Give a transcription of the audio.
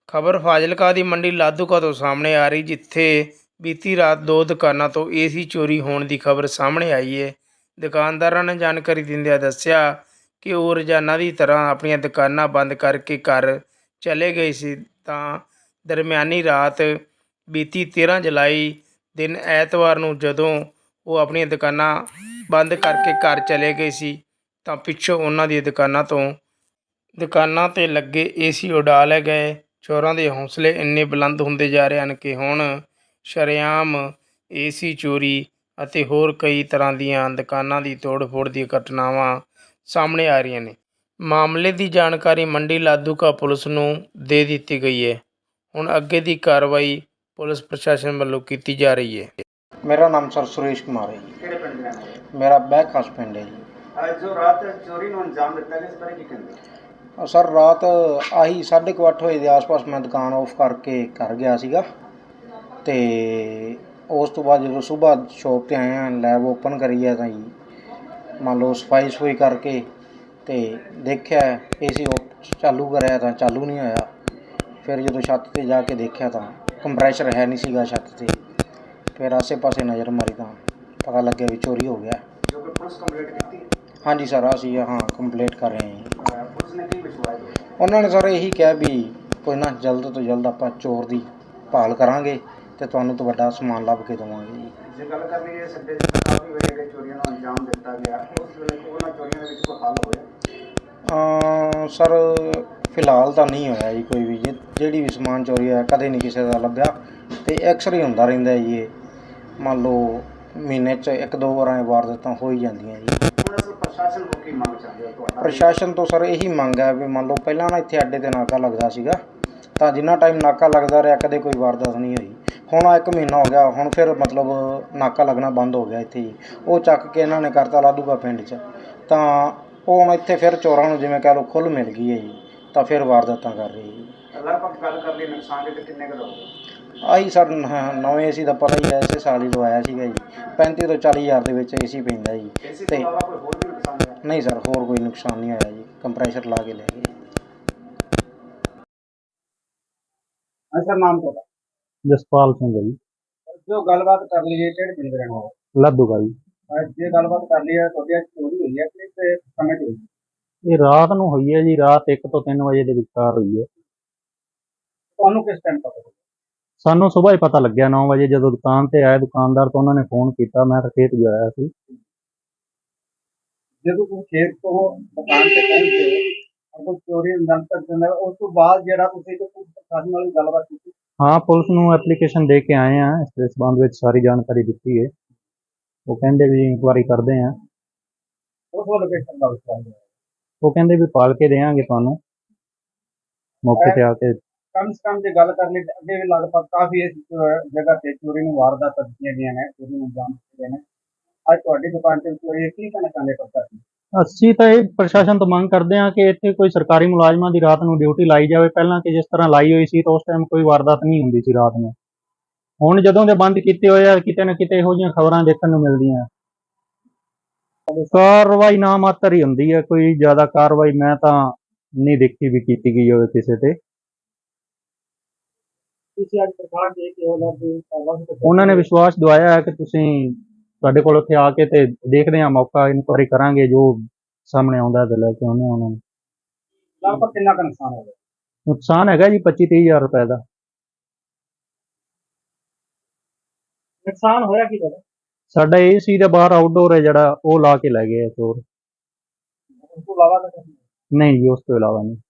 ਖਬਰ ਫਾਜ਼ਿਲਕਾ ਦੀ ਮੰਡੀ ਲਾਧੂਕਾ ਤੋਂ ਸਾਹਮਣੇ ਆ ਰਹੀ, ਜਿੱਥੇ ਬੀਤੀ ਰਾਤ ਦੋ ਦੁਕਾਨਾਂ ਤੋਂ ਏਸੀ ਚੋਰੀ ਹੋਣ ਦੀ ਖਬਰ ਸਾਹਮਣੇ ਆਈ ਹੈ। ਦੁਕਾਨਦਾਰਾਂ ਨੇ ਜਾਣਕਾਰੀ ਦਿੰਦਿਆਂ ਦੱਸਿਆ ਕਿ ਉਹ ਰੋਜ਼ਾਨਾ ਦੀ ਤਰ੍ਹਾਂ ਆਪਣੀਆਂ ਦੁਕਾਨਾਂ ਬੰਦ ਕਰਕੇ ਘਰ ਚਲੇ ਗਏ ਸੀ ਤਾਂ ਦਰਮਿਆਨੀ ਰਾਤ ਬੀਤੀ 13 ਜੁਲਾਈ ਦਿਨ ਐਤਵਾਰ ਨੂੰ ਜਦੋਂ ਉਹ ਆਪਣੀਆਂ ਦੁਕਾਨਾਂ ਬੰਦ ਕਰਕੇ ਘਰ ਚਲੇ ਗਏ ਸੀ ਤਾਂ ਪਿੱਛੋਂ ਉਹਨਾਂ ਦੀ ਦੁਕਾਨਾਂ 'ਤੇ ਲੱਗੇ ਏਸੀ ਉਡਾ ਲਏ ਗਏ। ਚੋਰਾਂ ਦੇ ਹੌਸਲੇ ਇੰਨੇ ਬੁਲੰਦ ਹੁੰਦੇ ਜਾ ਰਹੇ ਹਨ ਕਿ ਹੁਣ ਸ਼ਰੇਆਮ ਏਸੀ ਚੋਰੀ ਅਤੇ ਹੋਰ ਕਈ ਤਰ੍ਹਾਂ ਦੀਆਂ ਦੁਕਾਨਾਂ ਦੀ ਤੋੜ-ਫੋੜ ਦੀਆਂ ਘਟਨਾਵਾਂ ਸਾਹਮਣੇ ਆ ਰਹੀਆਂ ਨੇ। ਮਾਮਲੇ ਦੀ ਜਾਣਕਾਰੀ ਮੰਡੀ ਲਾਧੂਕਾ ਪੁਲਿਸ ਨੂੰ ਦੇ ਦਿੱਤੀ ਗਈ ਹੈ। ਹੁਣ ਅੱਗੇ ਦੀ ਕਾਰਵਾਈ ਪੁਲਿਸ ਪ੍ਰਸ਼ਾਸਨ ਵੱਲੋਂ ਕੀਤੀ ਜਾ ਰਹੀ ਹੈ। ਮੇਰਾ ਨਾਮ ਸਰ ਸੁਰੇਸ਼ ਕੁਮਾਰ ਹੈ ਜੀ। ਕਿਹੜੇ ਪਿੰਡ ਦੇ ਰਹਿਣ ਵਾਲੇ? ਮੇਰਾ ਬੈਕ ਖਾਸ ਪਿੰਡ ਹੈ ਜੀ। ਜੋ ਰਾਤ ਚੋਰੀ ਨੂੰ ਅੰਜਾਮ ਦਿੱਤਾ ਗਿਆ, ਇਸ ਬਾਰੇ ਕੀ ਕਹਿੰਦੇ? ਸਰ ਰਾਤ ਆਹੀ 8:30 ਵਜੇ ਦੇ ਆਸ-ਪਾਸ ਮੈਂ ਦੁਕਾਨ ਆਫ ਕਰਕੇ ਘਰ ਗਿਆ ਸੀਗਾ ਅਤੇ ਉਸ ਤੋਂ ਬਾਅਦ ਜਦੋਂ ਸੁਬਾਹ ਸ਼ੋਪ 'ਤੇ ਆਏ ਹਾਂ, ਲੈਬ ਓਪਨ ਕਰੀ ਹੈ ਤਾਂ ਜੀ ਮੰਨ ਲਓ ਸਫਾਈ ਸਫੂਈ ਕਰਕੇ ਅਤੇ ਦੇਖਿਆ ਏਸੀ ਚਾਲੂ ਕਰਿਆ ਤਾਂ ਚਾਲੂ ਨਹੀਂ ਹੋਇਆ। ਫਿਰ ਜਦੋਂ ਛੱਤ 'ਤੇ ਜਾ ਕੇ ਦੇਖਿਆ ਤਾਂ ਕੰਪਰੈਸ਼ਰ ਹੈ ਨਹੀਂ ਸੀਗਾ ਛੱਤ 'ਤੇ। ਫਿਰ ਆਸੇ ਪਾਸੇ ਨਜ਼ਰ ਮਾਰੀ ਤਾਂ ਪਤਾ ਲੱਗਿਆ ਵੀ ਚੋਰੀ ਹੋ ਗਿਆ। ਜੋ ਕਿ ਪੁਲਿਸ ਕੰਪਲੇਂਟ ਕੀਤੀ? ਹਾਂਜੀ ਸਰ, ਅਸੀਂ ਕੰਪਲੇਂਟ ਕਰ ਰਹੇ ਹਾਂ। ਪੁਲਿਸ ਨੇ ਕੀ ਵਿਸ਼ਵਾਸ ਦਿੱਤਾ? ਉਹਨਾਂ ਨੇ ਸਰ ਇਹੀ ਕਿਹਾ ਵੀ ਕੋਈ ਨਾ, ਜਲਦ ਤੋਂ ਜਲਦ ਆਪਾਂ ਚੋਰ ਦੀ ਭਾਲ ਕਰਾਂਗੇ ਅਤੇ ਤੁਹਾਨੂੰ ਤੋਂ ਵੱਡਾ ਸਮਾਨ ਲੱਭ ਕੇ ਦੇਵਾਂਗੇ ਜੀ। ਜੇ ਗੱਲ ਕਰ ਲਈਏ ਸਾਡੇ ਕਾਫੀ ਵੇਲੇ ਚੋਰੀਆਂ ਨੂੰ ਅੰਜਾਮ ਦਿੱਤਾ ਗਿਆ, ਉਸ ਵੇਲੇ ਉਹਨਾਂ ਚੋਰੀਆਂ ਦੇ ਵਿੱਚ ਕੋਈ ਹੱਲ ਹੋਇਆ? ਸਰ ਫਿਲਹਾਲ ਤਾਂ ਨਹੀਂ ਹੋਇਆ ਜੀ ਕੋਈ ਵੀ। ਜਿਹੜੀ ਵੀ ਸਮਾਨ ਚੋਰੀ ਹੋਇਆ ਕਦੇ ਨਹੀਂ ਕਿਸੇ ਦਾ ਲੱਭਿਆ ਅਤੇ ਅਕਸਰ ਹੀ ਹੁੰਦਾ ਰਹਿੰਦਾ ਜੀ। ਇਹ ਮੰਨ ਲਓ ਮਹੀਨੇ 'ਚ 1-2 ਵਾਰਾਂ ਵਾਰਦਾਤਾਂ ਹੋ ਹੀ ਜਾਂਦੀਆਂ ਜੀ। ਹੁਣ ਅਸਲ ਪ੍ਰਸ਼ਾਸਨ ਕੋਲ ਕੀ ਮੰਗ ਚਾਹੁੰਦੇ ਹੋ ਤੁਹਾਡਾ? ਪ੍ਰਸ਼ਾਸਨ ਤੋਂ ਸਰ ਇਹੀ ਮੰਗ ਹੈ ਵੀ ਮੰਨ ਲਓ ਪਹਿਲਾਂ ਨਾ ਇੱਥੇ ਅੱਡੇ 'ਤੇ ਨਾਕਾ ਲੱਗਦਾ ਸੀਗਾ, ਤਾਂ ਜਿੰਨਾ ਟਾਈਮ ਨਾਕਾ ਲੱਗਦਾ ਰਿਹਾ ਕਦੇ ਕੋਈ ਵਾਰਦਾਤ ਨਹੀਂ ਹੋਈ। ਹੁਣ 1 ਮਹੀਨਾ ਹੋ ਗਿਆ, ਹੁਣ ਫਿਰ ਮਤਲਬ ਨਾਕਾ ਲੱਗਣਾ ਬੰਦ ਹੋ ਗਿਆ ਇੱਥੇ ਜੀ। ਉਹ ਚੱਕ ਕੇ ਇਹਨਾਂ ਨੇ ਕਰਤਾ ਲਾਧੂਕਾ ਪਿੰਡ 'ਚ, ਤਾਂ ਉਹ ਹੁਣ ਇੱਥੇ ਫਿਰ ਚੋਰਾਂ ਨੂੰ ਜਿਵੇਂ ਕਹਿ ਲਓ ਖੁੱਲ੍ਹ ਮਿਲ ਗਈ ਹੈ ਜੀ, ਤਾਂ ਫਿਰ ਵਾਰਦਾਤਾਂ ਕਰ ਰਹੀ ਜੀ। ਲਗਭਗ ਗੱਲ ਕਰ ਲਈ ਨੁਕਸਾਨ ਦੇ ਕਿੰਨੇ ਕੁ ਦਾ ਹੋਊਗਾ? ਆਹੀ ਸਰ ਨਵੇਂ ਏਸੀ ਦਾ ਪਤਾ ਹੀ ਹੈ, ਇਸੇ ਸਾਲ ਹੀ ਲਵਾਇਆ ਸੀਗਾ ਜੀ। 35 ਤੋਂ 40 ਹਜ਼ਾਰ ਦੇ ਵਿੱਚ ਏਸੀ ਪੈਂਦਾ ਜੀ। ਏਸੀ ਤੋਂ ਇਲਾਵਾ ਕੋਈ ਹੋਰ ਵੀ ਨੁਕਸਾਨ ਹੋਇਆ? ਨਹੀਂ ਸਰ, ਹੋਰ ਕੋਈ ਨੁਕਸਾਨ ਨਹੀਂ ਹੋਇਆ ਜੀ। ਕੰਪਰੈਸ਼ਰ ਲਾ ਕੇ ਲੈ ਗਏ। ਸਰ ਨਾਮ ਤੁਹਾਡਾ? ਜਸਪਾਲ ਸਿੰਘ ਹੈ ਜੀ। ਜੋ ਗੱਲਬਾਤ ਕਰ ਲਈਏ ਕਿਹੜੇ ਪਿੰਡ ਦੇ ਰਹਿਣ ਵਾਲੇ? ਲਾਧੂਕਾ ਜੀ। ਜੇ ਗੱਲਬਾਤ ਕਰ ਲਈਏ ਤੁਹਾਡੀ ਚੋਰੀ ਹੋਈ ਹੈ ਕਿਸ ਸਮੇਂ 'ਤੇ ਹੋਈ? ਇਹ ਰਾਤ ਨੂੰ ਹੋਈ ਹੈ ਜੀ, ਰਾਤ 1 ਤੋਂ 3 ਵਜੇ ਦੇ ਵਿਚਕਾਰ ਹੋਈ ਹੈ। ਤੁਹਾਨੂੰ ਕਿਸ ਟਾਈਮ ਪਤਾ ਲੱਗਿਆ? ਸਾਨੂੰ ਸੁਬਾਹ ਹੀ ਪਤਾ ਲੱਗਿਆ 9 ਵਜੇ, ਜਦੋਂ ਦੁਕਾਨ ਤੇ ਆਏ ਦੁਕਾਨਦਾਰ ਤੋਂ ਉਹਨਾਂ ਨੇ ਫੋਨ ਕੀਤਾ। ਮੈਂ ਤਾਂ ਖੇਤ ਗਿਆ ਹੋਇਆ ਸੀ। ਜਦੋਂ ਤੁਸੀਂ ਖੇਤ ਤੋਂ ਦੁਕਾਨ ਤੇ ਪਹੁੰਚੇ ਅਗਰ ਚੋਰੀ ਅੰਜਾਮ ਤੱਕ ਜਾਂਦਾ, ਉਸ ਤੋਂ ਬਾਅਦ ਜਿਹੜਾ ਤੁਸੀਂ ਪ੍ਰਸ਼ਾਸਨ ਨਾਲ ਗੱਲਬਾਤ ਕੀਤੀ? ਹਾਂ, ਪੁਲਿਸ ਨੂੰ ਐਪਲੀਕੇਸ਼ਨ ਦੇ ਕੇ ਆਏ ਹਾਂ। ਇਸ ਸੰਬੰਧ ਵਿੱਚ ਸਾਰੀ ਜਾਣਕਾਰੀ ਦਿੱਤੀ ਹੈ। ਉਹ ਕਹਿੰਦੇ ਵੀ ਇਨਕੁਆਰੀ ਕਰਦੇ ਹਾਂ। ਉਸ ਵੱਲੋਂ ਕਿਸ ਤਰ੍ਹਾਂ ਦਾ ਵਿਸ਼ਵਾਸ ਹੈ? ਉਹ ਕਹਿੰਦੇ ਵੀ ਪਾਲ ਕੇ ਦੇਵਾਂਗੇ ਤੁਹਾਨੂੰ ਮੌਕੇ ਤੇ ਆ ਕੇ। ਕਮ ਸੇ ਕਮ ਜੇ ਗੱਲ ਕਰ ਲਈ ਅੱਗੇ ਵੀ ਲਗਭਗ ਕਾਫੀ ਇਸ ਜਗ੍ਹਾ ਤੇ ਚੋਰੀ ਨੂੰ ਵਾਰਦਾਤਾਂ ਦਿੱਤੀਆਂ ਗਈਆਂ ਨੇ, ਚੋਰੀ ਨੂੰ ਅੰਜਾਮ ਦਿੱਤੇ ਗਏ ਨੇ। ਅੱਜ ਤੁਹਾਡੀ ਦੁਕਾਨ ਤੇ ਚੋਰੀ ਕੀ ਕਹਿਣਾ ਚਾਹੁੰਦੇ ਪ੍ਰਸ਼ਾਸਨ? ਅਸੀਂ ਤਾਂ ਇਹ ਪ੍ਰਸ਼ਾਸਨ ਤੋਂ ਮੰਗ ਕਰਦੇ ਹਾਂ ਕਿ ਇੱਥੇ ਕੋਈ ਸਰਕਾਰੀ ਮੁਲਾਜ਼ਮਾਂ ਦੀ ਰਾਤ ਨੂੰ ਡਿਊਟੀ ਲਾਈ ਜਾਵੇ। ਪਹਿਲਾਂ ਕਿ ਜਿਸ ਤਰ੍ਹਾਂ ਲਾਈ ਹੋਈ ਸੀ ਤਾਂ ਉਸ ਟਾਈਮ ਕੋਈ ਵਾਰਦਾਤ ਨਹੀਂ ਹੁੰਦੀ ਸੀ ਰਾਤ ਨੂੰ। ਹੁਣ ਜਦੋਂ ਦੇ ਬੰਦ ਕੀਤੇ ਹੋਏ ਆ, ਕਿਤੇ ਨਾ ਕਿਤੇ ਇਹੋ ਜਿਹੀਆਂ ਖਬਰਾਂ ਦੇਖਣ ਨੂੰ ਮਿਲਦੀਆਂ। ਕਾਰਵਾਈ ਨਾ ਮਾਤਰ ਹੀ ਹੁੰਦੀ ਹੈ, ਕੋਈ ਜ਼ਿਆਦਾ ਕਾਰਵਾਈ ਮੈਂ ਤਾਂ ਨਹੀਂ ਦੇਖੀ ਵੀ ਕੀਤੀ ਗਈ ਹੋਵੇ ਕਿਸੇ ਤੇ। ਤੁਸੀਂ ਅੱਜ ਪ੍ਰਸ਼ਾਸਨ ਦੇ ਕੇ ਉਹਨਾਂ ਨੇ ਵਿਸ਼ਵਾਸ ਦਿਵਾਇਆ ਹੈ ਕਿ ਤੁਸੀਂ ਸਾਡੇ ਕੋਲ ਉੱਥੇ ਆ ਕੇ ਤੇ ਦੇਖਦੇ ਹਾਂ, ਮੌਕਾ ਇਨਕੁਆਰੀ ਕਰਾਂਗੇ, ਜੋ ਸਾਹਮਣੇ ਆਉਂਦਾ ਤੇ ਲੈ ਕੇ ਆਉਂਦੇ ਹਾਂ ਉਹਨਾਂ ਨੂੰ। ਲਗਭਗ ਕਿੰਨਾ ਕੁ ਨੁਕਸਾਨ ਹੋ ਗਿਆ? ਨੁਕਸਾਨ ਹੈਗਾ ਜੀ 25-30 ਹਜ਼ਾਰ ਰੁਪਏ ਦਾ। ਨੁਕਸਾਨ ਹੋਇਆ ਕੀ ਤੁਹਾਡਾ? ਸਾਡਾ ਏਸੀ ਦਾ ਬਾਹਰ ਆਊਟਡੋਰ ਹੈ ਜਿਹੜਾ, ਉਹ ਲਾ ਕੇ ਲੈ ਗਏ ਚੋਰ। ਉਸ ਤੋਂ ਇਲਾਵਾ ਤਾਂ ਨਹੀਂ ਜੀ, ਉਸ ਤੋਂ ਇਲਾਵਾ ਨਹੀਂ।